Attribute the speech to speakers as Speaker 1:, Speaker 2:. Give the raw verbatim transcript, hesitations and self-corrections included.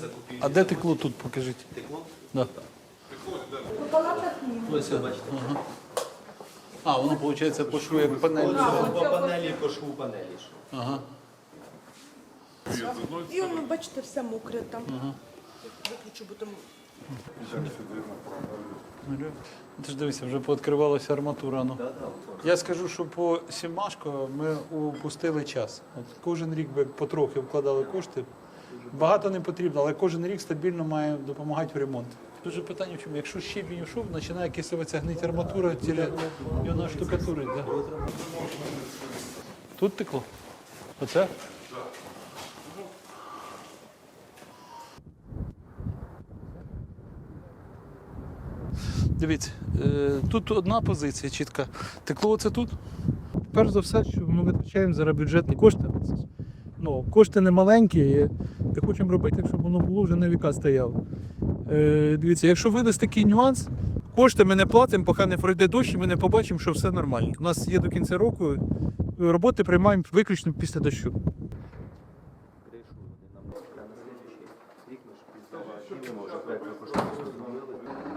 Speaker 1: А де текло тут, покажіть?
Speaker 2: Текло?
Speaker 1: Да.
Speaker 3: По палатах ні.
Speaker 2: Ось, бачите.
Speaker 1: А, воно, виходить, по шву як панель.
Speaker 2: По панелі, по шву панелі.
Speaker 1: Ага.
Speaker 3: І воно, бачите, все мокре там. Виключу, бо там...
Speaker 1: Ти ж дивися, вже пооткривалася арматура. Ну. Я скажу, що по Сімашко ми упустили час. От кожен рік би потрохи вкладали кошти. Багато не потрібно, але кожен рік стабільно має допомагати в ремонт. Дуже питання в чому? Якщо щебінь ушов, починає кисуватися гнить арматура, тіля, і вона штукатурить. Да? Тут текло? Оце? Дивіться, е, тут одна позиція чітка. Текло оце тут. Перш за все, що ми витрачаємо зараз бюджетні кошти. Ну, кошти не маленькі, і ми хочемо робити, щоб воно було вже на віка стояло. Е, дивіться, якщо видасть такий нюанс, кошти ми не платимо, поки не пройде дощ, і ми не побачимо, що все нормально. У нас є до кінця року, роботи приймаємо виключно після дощу.
Speaker 2: Кришу вони нам на слідчий рік ми ж піздавали, вже проєктно кошторис розробили.